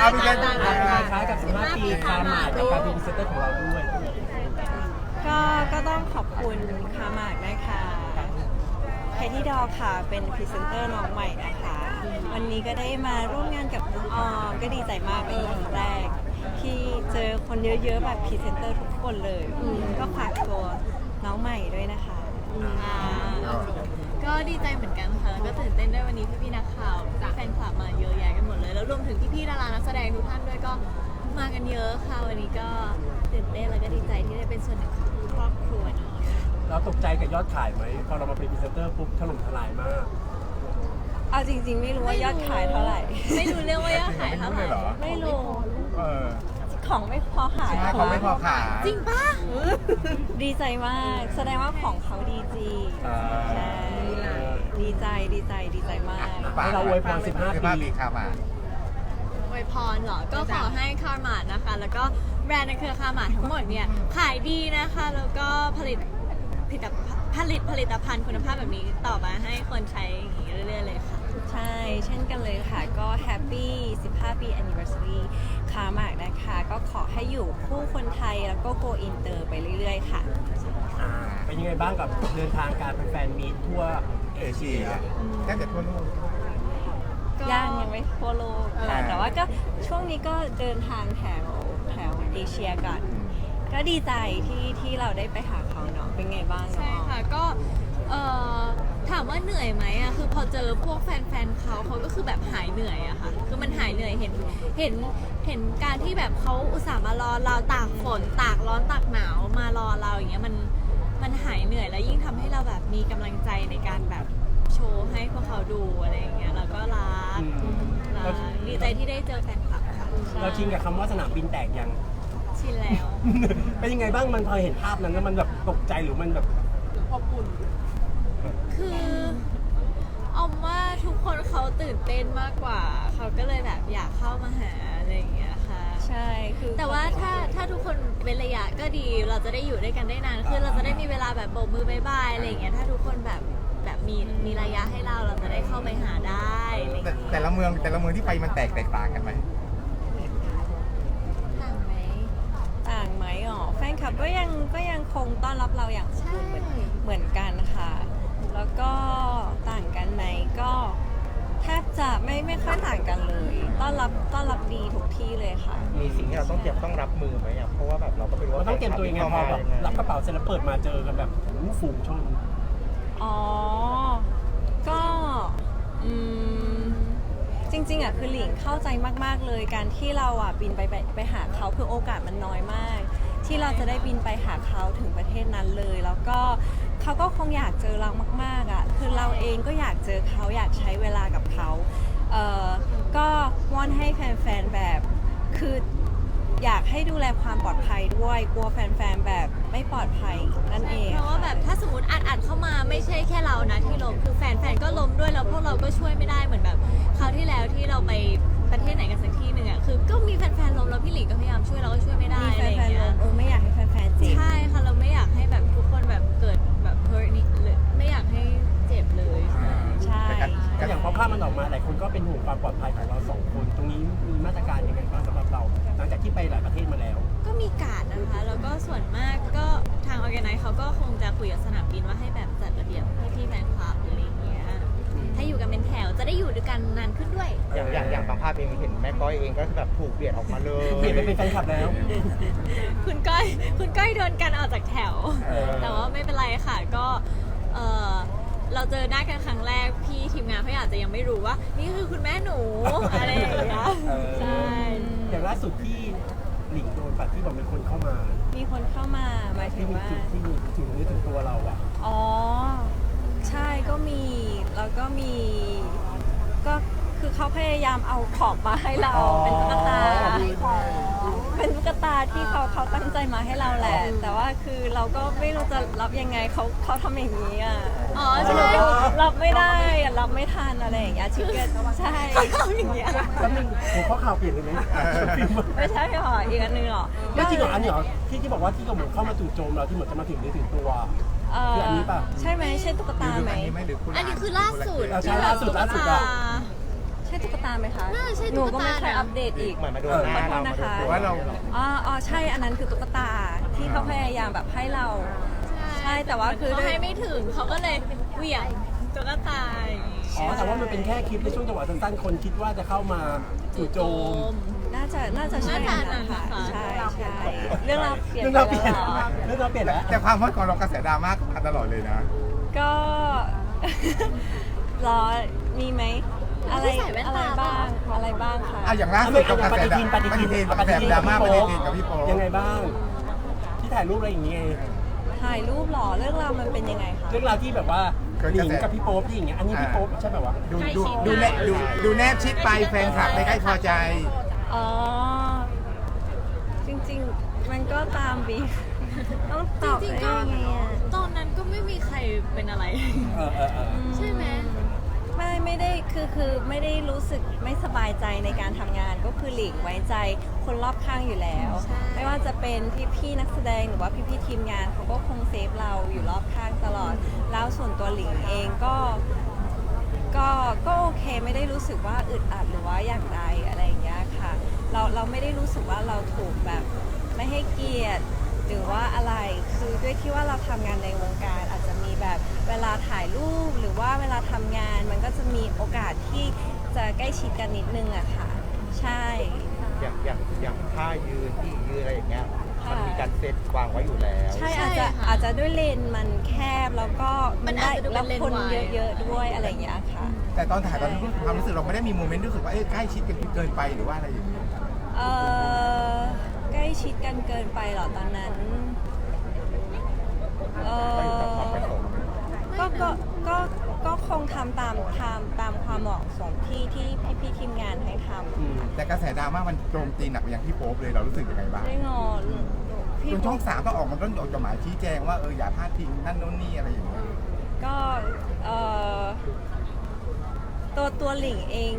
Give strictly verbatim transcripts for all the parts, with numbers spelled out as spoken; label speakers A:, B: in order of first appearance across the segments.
A: พี่แจ๊ค
B: ต่างกันคล้ายกับสิบห้าปีคาหมาดกับการเป็นพรีเซนเตอร์ของเราด้วย
C: ก็ก็ต้องขอบคุณคาหมากนะคะแคที่ดอค่ะเป็นพรีเซนเตอร์น้องใหม่นะคะ วันนี้ก็ได้มาร่วมงานกับน้องออมก็ดีใจมากเป็นครั้งแรก ที่เจอคนเยอะๆแบบพรีเซนเตอร์ทุกคนเลย ก็ฝากตัวน้องใหม่ด้วยนะคะ
D: อ่าก็ดีใจเหมือนกันค่ะแล้วก็ตื่นเต้นด้วยวันนี้พี่ๆนักข่าวแฟนคลับมาเยอะแยะกันหมดเลย แล้วรวมถึงพี่ๆดารานักแสดงทุกท่านด้วยก็มากันเยอะค่ะวันนี้ก็ตื่นเต้นแล้วก็ดีใจที่ได้เป็นส่วนหนึ่งของครอบครัวเนาะ
B: เราตกใจกับยอดขายไหมพอเรามาเป็นพรีเซนเตอร์ปุ๊บถล่มทลายมาก
C: เอาจริงๆ ไม่รู้ว่ายอดขายเท่าไหร่
D: ไม่รู้เรื่องว่ายอดขายเท่าไหร่
C: ไม่รู้
A: เออ
C: ของไม่พอขาย
A: ใช่ของไม่พอขาย
D: จริงปะ
C: ดีใจมาก แสดงว่าของเขาดีจริง
B: อ่า
C: ใช่ดีใจดีใจดีใจมาก
B: ให้เราอวยพรสิบห้า
A: สิบห้า
B: ปี
A: ปีครับมา
D: อวยพรเหรอ ก็ขอให้คาร์มาดนะคะ แล้วก็แบรนด์ในเครือคาร์มาดทั้งหมดเนี่ยขายดีนะคะ แล้วก็ผลิตผลิตผลิตผลิตภัณฑ์คุณภาพแบบนี้ต่อมาให้คนใช้อย่างนี้เรื่อยๆเลยค่ะ
C: ใช่ เช่นกันเลยค่ะ ก็แฮปปี้สิบห้า ปี anniversary คาหมากนะคะ ก็ขอให้อยู่คู่คนไทยแล้วก็ go inter ไปเรื่อยๆ ค่ะ
B: อ่าเป็นยังไงบ้างกับเดินทางการเป็นแฟนมีตทั่ว
A: เอเชียแทบจะทั่วโลก
D: ก็
C: ย่างยังไม่ทั่วโลกค่ะ
A: อ่า
C: แต่ว่าก็ช่วงนี้ก็เดินทางแถวแถวเอเชียกัน ก็ดีใจที่ที่เราได้ไปหาเขาเนาะ เป็นไงบ้าง
D: ใช่
C: เนาะ
D: ค่ะก็เอ่อถามว่าเหนื่อยไหมอะคือพอเจอพวกแฟนๆเขาเขาก็คือแบบหายเหนื่อยอะค่ะคือมันหายเหนื่อยเห็นเห็นเห็นการที่แบบเขาอุตส่าห์มารอเราตากฝนตากร้อนตากหนาวมารอเราอย่างเงี้ยมันมันหายเหนื่อยแล้วยิ่งทำให้เราแบบมีกำลังใจในการแบบโชว์ให้พวกเขาดูอะไรอย่างเงี้ยแล้วก็รัก
B: อืม
D: รักดีใจที่ได้เจอแฟนคลับค่ะ
B: เราชินกับคำว่าสนามบินแตกยัง
D: ชินแล้ว
B: เป็นยังไงบ้างมันพอเห็นภาพนั้นแล้วมันแบบตกใจหรือมันแบบ
D: คือออมว่าทุกคนเขาตื่นเต้นมากกว่า เขาก็เลยแบบอยากเข้ามาหาอะไรอย่างเงี้ยค่ะ
C: ใช่ คือ
D: แต่ว่าถ้าถ้าทุกคนเป็นระยะก็ดี เราจะได้อยู่ด้วยกันได้นานขึ้นเราจะได้มีเวลาแบบโบกมือบายบายอะไรอย่างเงี้ย ถ้าทุกคนแบบแบบมีมีระยะให้เราเราจะได้เข้าไปหาได้อะไรอย่าง
A: แต่
D: เงี้ย
A: แต่ละเมืองแต่ละเมืองที่ไปมันแตกแตกต่างกันไหม
D: ต่างไหม
C: ต่างไหมอ๋อแฟนคลับก็ยังก็ยังคงต้อนรับเราอย่างอบอุ่นเหมือนเหมือนกันค่ะ แล้วก็ต่างกันไหมก็แทบจะไม่ไม่ค่อยต่างกันเลย ต้อนรับต้อนรับดีทุกที่เลยค่ะ
E: มีสิ่งที่เราต้องเตรียมต้องรับมือไหมอ่ะเพราะว่าแบบเราก็ไม่รู้
B: เรา
E: ว่า
B: ต้องเตรียมตัวยังไงพอแบบรับกระเป๋าเสร็จแล้วเปิดมาเจอกันแบบโอ้โหฝูงชน
C: อ๋อ ก็อืมจริงๆอ่ะคือหลิงเข้าใจมากๆเลยการที่เราอ่ะบินไปไปไปหาเขาคือโอกาสมันน้อยมาก ที่เราจะได้บินไปหาเขาถึงประเทศนั้นเลย แล้วก็เขาก็คงอยากเจอเรามากๆอ่ะคือเราเองก็อยากเจอเขาอยากใช้เวลากับเขาเอ่อก็วอนให้แฟนๆแบบคืออยากให้ดูแลความปลอดภัยด้วยกลัวแฟนๆแบบไม่ปลอดภัยนั่นเอง
D: เพราะว่าแบบถ้าสมมติอัดอัดเข้ามาไม่ใช่แค่เรานะที่ล้มคือแฟนๆก็ล้มด้วยแล้วพวกเราก็ช่วยไม่ได้เหมือนแบบคราวที่แล้วที่เราไปประเทศไหนกันสักที่หนึ่งอ่ะคือก็มีแฟนๆล้มแล้วพี่หลิงก็พยายามช่วยเราก็ช่วยไม่ได้
C: มี
D: อะ
C: แฟ
D: ไรอย่าง
C: นๆล
D: เงี้ย
C: งเออไม่อยากให้แฟนๆเจ็บ
D: ใช่ค่ะเราไม่อยากให้แบบทุกคนแบบเกิดแบบ hurt นี่เลยไม่อยากให้เจ็บเลยใช่
C: ใช่
B: ก็อย่างพอภาพมันออกมาหลายคนก็เป็นห่วงความปลอดภัยของเราสองคน ตรงนี้มีมาตรการยังไงบ้างสำหรับเรา หลังจากที่ไปหลายประเทศมาแล้ว
D: ก็มีการดนะคะ แล้วก็ส่วนมากก็ทางออแกไนซ์เขาก็คงจะคุยกับสนามบินว่าให้แบบจัดระเบียบให้พี่แฟนคลับอะไรอย่างเงี้ยให้อยู่กันเป็นแถวจะได้อยู่ด้วยกันนานขึ้นด้วย
E: อย่างอย่างอย่างบางภาพเองเห็นแม่ก้อยเองก็แบบถูกเบียดออกมาเลย
B: เปลี่ยนไปเป็นแฟนคลับแล้ว
D: คุณก้อยคุณก้อยโดนกันออกจากแถว
B: เออ
D: แต่ว่าไม่เป็นไรค่ะก็เออเราเจอหน้ากันครั้งแรกพี่ทีมงานเขาอาจจะยังไม่รู้ว่า นี่คือคุณแม่หนู อะไรอย่างเงี้ย
B: เออ
D: ใช่
B: อย่างล่าสุดที่หลิงโดนปัดที่บอกมีคนเข้ามา
C: มีคนเข้ามาหมายถึ
B: ที่
C: ง
B: มี
C: ว่า
B: จุดที่มีถึงนึกถึงตัวเราอะ
C: อ๋อ ใช่ก็มี แล้วก็มี ก็คือเขาพยายามเอาของมาให้เรา เป็นตุ๊กตา เป็นตุ๊กตาที่เขาเขาตั้งใจมาให้เราแหละ แต่ว่าคือเราก็ไม่รู้จะรับยังไงเขาเขาทำอย่างนี้อ่ะ
D: อ๋อ
C: เรา
D: ใช่
C: ก็รับไม่ได้อะรับไม่ทันอะไรอย่างเงี้ยชิคเก้นใช่
D: เขาทำอย่างเงี้ย
B: แล้วมึงหัวข้อข่าวเปลี่ยนเลยไหม
C: ไม่ใช่หรออีกอันหนึงหรอ
B: ไม่จริงเหรออันนี้เหรอที่ที่บอกว่าที่เขาเหมือนเข้ามาจู่โจมเราที่เหมือนจะมาถึงนึกถึงตัว
C: เอ่
B: คืออันนี้ป่ะ
C: ใช่ไหมใช่ตุ๊ก
A: หรื
C: ตา
A: อ
C: ไหม
A: อันนี้ไหมหรือคุณ
D: อันนี้คือล่าสุด
B: เราใช้ล่าสุดล่าสุดอะ
C: ใใช่ตุ๊กตาไหมคะ
D: น่าใช่
C: หนูก็ไม่
D: ตุ๊กตา
C: ค่อย
D: นะ
C: อัปเดตอีก
E: เหมือนมาโดนหน้า
C: ขอโท
E: เรา
C: ษ
E: มา
C: นะ
E: โดน
C: คะ
A: หรือว่าเรา
C: อ๋ออ๋อใช่อันนั้นคือตุ๊กตาที่เขาพยายามแบบให้เรา ใช่แต่ว่าคือ
D: เขาให้ไม่ถึงเขาก็เลยเหวี่ยงตุ๊กตาอย่างงี้
B: อ๋อแต่ว่ามันเป็นแค่คลิปในช่วงจังหวะสั้นๆคนคิดว่าจะเข้ามาจู่โจม
C: น่าจะน่าจะใช่
D: น่าจะ
C: นะคะ
D: นะคะ
C: ใช่ใช่เรื่องราวเปลี่ยน
B: เรื่อง
C: ไป
B: เราเปลี่ยน
C: แล้วเหรอ
B: เรื่องเราเปลี่ยนแล้ว
A: แต่ความฮอตของเรากระแสดราม่ามาตลอดเลยนะ
C: ก็ รอมีไหมอะไร
D: ที่ใส่แว่น
C: อะไร
D: ตา
C: บ้างอะไรบ้างคะ
A: อ่ะอย่างล่าสุดกับกระ
B: ป
A: แส
B: ฏิ
A: ดรา
B: ทินป
A: ม่า
B: ฏิ
A: ป
B: ทิ
A: ฏิ
B: น
A: ทิน
B: ป
A: กระแส
B: ฏิทิน
A: ดราม่าป
B: กับ
A: ฏิ
B: พี่
A: ทิน
B: โป๊
A: กับพี่โป๊ป
B: ยังไงบ้าง ที่ถ่ายรูปอะไรอย่างเงี้ย
C: ถ่ายรูปเหรอเรื่องราวมันเป็นยังไงคะ
B: เรื่องราวที่แบบว่าหลิงกับพี่โป๊ปที่อย่างเงี้ยอันนี้พี่โป๊ปใช่แบบว่า
A: ดูดูดูแนบดูดูแนบชิดไปแฟนคลับไม่ใกล้พอใจ
C: อ๋อ จริงๆ มันก็ตามบีฟต้องตอบ
D: จริงๆ
C: ได้
D: ก็
C: ยังไงอะ
D: ตอนนั้นก็ไม่มีใครเป็นอะไร
B: เออเออเออ
D: ใช่ไหม
C: ไม่ไม่ได้คือคือไม่ได้รู้สึกไม่สบายใจในการทำงานก็คือหลีกไว้ใจคนรอบข้างอยู่แล้ว
D: ใช่
C: ไม่ว่าจะเป็นพี่ๆนักแสดงหรือว่าพี่ๆทีมงานเขาก็คงเซฟเราอยู่รอบข้างตลอด แล้วส่วนตัวหลิงเองก็ก็ก็โอเคไม่ได้รู้สึกว่าอึดอัดหรือว่าอย่างใดอะไรอย่างเงี้ยค่ะ เราเราไม่ได้รู้สึกว่าเราถูกแบบไม่ให้เกียรติหรือว่าอะไรคือด้วยที่ว่าเราทำงานในวงการอาจจะมีแบบเวลาถ่ายรูปหรือว่าเวลาทำงาน มันก็จะมีโอกาสที่จะใกล้ชิดกันนิดนึงอะค่ะ ใช่
E: อย่างอย่างอย่างท่ายืนที่ยืนอะไรอย่างเงี้ย
C: ค่ะ
E: มันมีการเซตวางไว้อยู่แล้ว
C: ใช่
D: ใช่
C: อาจจะ
D: ค่ะ
C: อาจจะด้วยเลนส์มันแคบแล้วก็
D: มัน
C: ได้
D: อาจจะดู
C: แล้ว
D: เป็นเลนส์
C: คน
D: วาย
C: เยอะๆด้วยอะไรอย่างเงี้ยค่ะ
A: แต่ตอนถ่ายตอนนั้นความรู้สึกเราไม่ได้มีโมเมนต์รู้สึกว่าเอ้ยใกล้ชิดกันเกินไปหรือว่าอะไรอย่างเงี้ย
C: เออใกล้ชิดกันเกินไปเหรอตอนนั้นเอ
E: ก็อยู่กับความประ
C: อ
E: สงค์
C: ก็ก็ก็ก็คงทำตามตามตามความเหมาะสมที่ที่พี่พี่ๆทีมงานให้ท
B: อืม
A: แต่กระแสดราม่ามันโจมตีหนักไปยังพี่โป๊ปเลยเรารู้สึกยังไงบ้าง
C: ำได้งอพี่
A: จนช่องสามต้องออกมาต้องออกจดหมายชี้แจงว่าเอออย่าพลาดทิ้งนั่นโน่นนี่อะไรอย่างเงี้ย
C: ก็เออตัวตัวหลิงเอง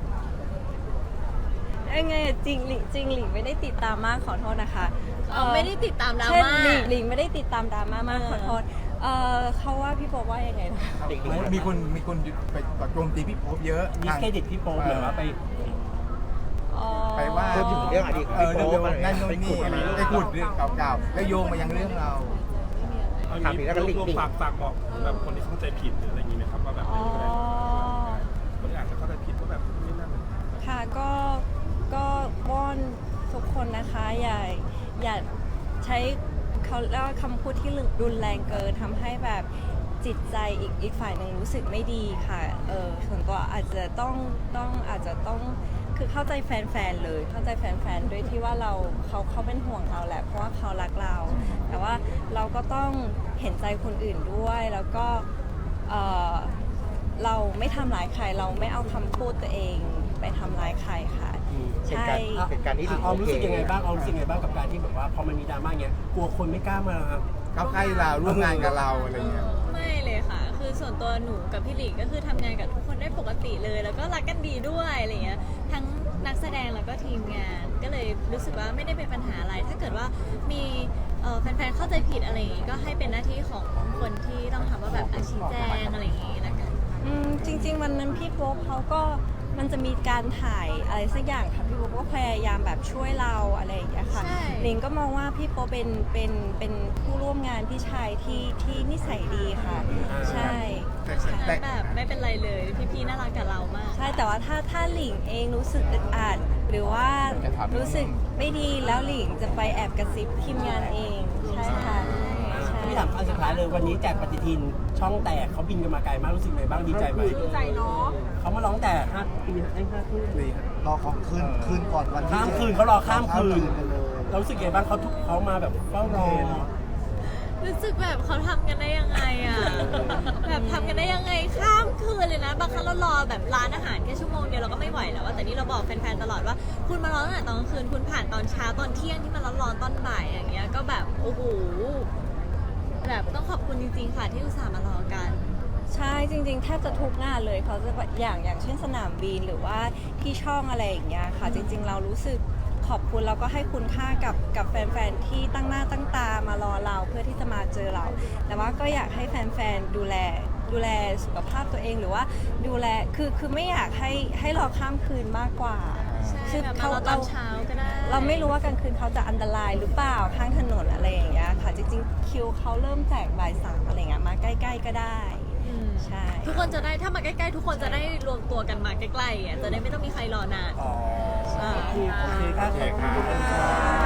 C: ยังไงอะจริงหลิงจริงหลิงไม่ได้ติดตามมากขอโทษนะคะ
D: เออไม่ได้ติดตามดรา
C: ใช่
D: ม่า
C: หลิงหลิงไม่ได้ติดตามดราม่ามาก
D: เออ
C: ขอโทษเออเขาว่าพี่โป๊ปว่ายังไงนะ
E: เด็กๆ
A: มีคนมีคนไปโจมตีพี่โป๊ปเยอะ
B: ดิสเครดิตพี่โป๊ปหรือว่าไป
C: อ๋อ
A: ไปว่า
E: พูดถึงเรื่องอดีตของ
A: เอ
E: พี่
A: อ
E: โป๊
A: เรื่อง
E: ปอะไร
A: นั่น
E: เงี้ย
A: โน่น
E: ไปขุ
A: นี่
E: ดอะไร
A: ไปขุดเรื่องเก่าๆแล้วโยงมายังเรื่องเรา
E: ถามถึงแล้วก็ลิงก์
F: รวมๆฝากฝากบอกแบบคนที่เข้าใจผิดหรืออะไรอย่างนี้ไหมครับว่าแบบ
C: อ๋อ
F: คนที่อาจจะเข้าใจผิดว่าแบบนี่นั่น
C: ค่ะก็ก็วอนทุกคนนะคะอย่าอย่าใช้เขาเรียกว่าคำพูดที่รุนแรงเกินทำให้แบบจิตใจอีกอีกฝ่ายหนึ่งรู้สึกไม่ดีค่ะเออส่วนตัวอาจจะต้องต้องอาจจะต้องคือเข้าใจแฟนๆเลยเข้าใจแฟนๆด้วยที่ว่าเราเขาเขาเป็นห่วงเราแหละเพราะว่าเขารักเรา แต่ว่าเราก็ต้องเห็นใจคนอื่นด้วยแล้วก็เออเราไม่ทำร้ายใครเราไม่เอาคำพูดตัวเองไปทำร้ายใครค่ะ
B: อืม
C: ใช่
E: เหตุการณ์นี้
B: ออมรู้สึกยังไงบ้างออมรู้สึกยังไงบ้างกับการที่แบบว่าพอมันมีดราม่าเงี้ยกลัวคนไม่กล้ามา
A: เข้าใกล้เราร่วมงานกับเราอะไรเงี้ย
D: ไม่เลยค่ะ คือส่วนตัวหนูกับพี่หลิงก็คือทำงานกับทุกคนได้ปกติเลย แล้วก็รักกันดีด้วยอะไรเงี้ย ทั้งนักแสดงแล้วก็ทีมงาน ก็เลยรู้สึกว่าไม่ได้เป็นปัญหาอะไร ถ้าเกิดว่ามีเอ่อแฟนๆเข้าใจผิดอะไรอย่างงี้ก็ให้เป็นหน้าที่ของคนที่ต้องทำว่าแบบอาชี้แจงอะไรอย่างงี้ละกัน
C: อืมจริงๆวันนั้นพี่โป๊ปเขาก็มันจะมีการถ่ายอะไรสักอย่างค่ะพี่โป๊ปก็พยายามแบบช่วยเราอะไรอย่างเงี้ยค่ะ
D: ใช่
C: ลิงก็มองว่าพี่โป๊ปเป็นเป็นเป็นผู้ร่วมงานพี่ชายที่ที่นิสัยดีค่ะ ใช่
A: แต่
C: ใช่
A: แต่
D: แบบไม่เป็นไรเลย พี่ๆน่ารักกับเรามาก
C: ใช่แต่ว่าถ้าถ้าหลิงเองรู้สึกอึดอัดหรือว่ารู้สึกไม่ดีแล้วหลิงจะไปแอบกระซิบทีมงานเองใช่ค่ะใช่
B: พี่ถามอันสุดท้ายเลยวันนี้แจกปฏิทินช่องแตกเขาบินกันมาไกลมากรู้สึกไงบ้างดีใจไหมดีใจเนาะเขามาร้องแต่ห้าปีไอ้ห้าทุ่มเลย
G: รอของคืนคืนก่อนวันที่
B: ข้ามคืนเขารอข้ามคืนเรารู้สึกไงบ้างเขาทุกเขามาแบบเฝ้ารอ
D: รู้สึกแบบเขาทำกันได้ยังไงอ่ะ แบบทำกันได้ยังไงข้ามคืนเลยนะ บางครั้งเรารอแบบร้านอาหารแค่ชั่วโมงเดียวเราก็ไม่ไหวแล้วอะแต่นี่เราบอกแฟนๆตลอดว่า คุณมารอตั้งแต่ตอนกลางคืนคุณผ่านตอนเช้าตอนเที่ยงที่มันร้อนๆตอนบ่ายอย่างเงี้ยก็แบบโอ้โหแบบต้องขอบคุณจริงๆค่ะที่อุตส่าห์มารอกัน
C: ใช่จริงๆแทบจะทุกงานเลยเขาจะแบบอย่างอย่างเช่นสนามบินหรือว่าที่ช่องอะไรอย่างเงี้ยค่ะ จริง ๆ เรารู้สึกขอบคุณแล้วก็ให้คุณค่ากับกับแฟนๆที่ตั้งหน้าตั้งตามารอเราเพื่อที่จะมาเจอเรา แต่ว่าก็อยากให้แฟนๆดูแลดูแลสุขภาพตัวเองหรือว่าดูแลคือคือไม่อยากให้ให้รอข้ามคืนมากกว่า
D: ใช่
C: คือ
D: แบบมา
C: เขา
D: เราตอนเช้าก็ได้
C: เราไม่รู้ว่ากลางคืนเขาจะอันตรายหรือเปล่าข้างถนนอะไรอย่างเงี้ยค่ะจริงๆคิวเขาเริ่มแจกบ่ายสามอะไรเงี้ยมาใกล้ๆก็ได้
D: อืม
C: ใช่
D: ทุกคนจะได้ถ้ามาใกล้ๆ ทุกคนจะได้รวมตัวกันมาใกล้ๆอ่ะจะได้ไม่ต้องมีใครรอนาน
B: อ๋อ
D: ใช่
B: โอเคครับขอบคุณค่ะ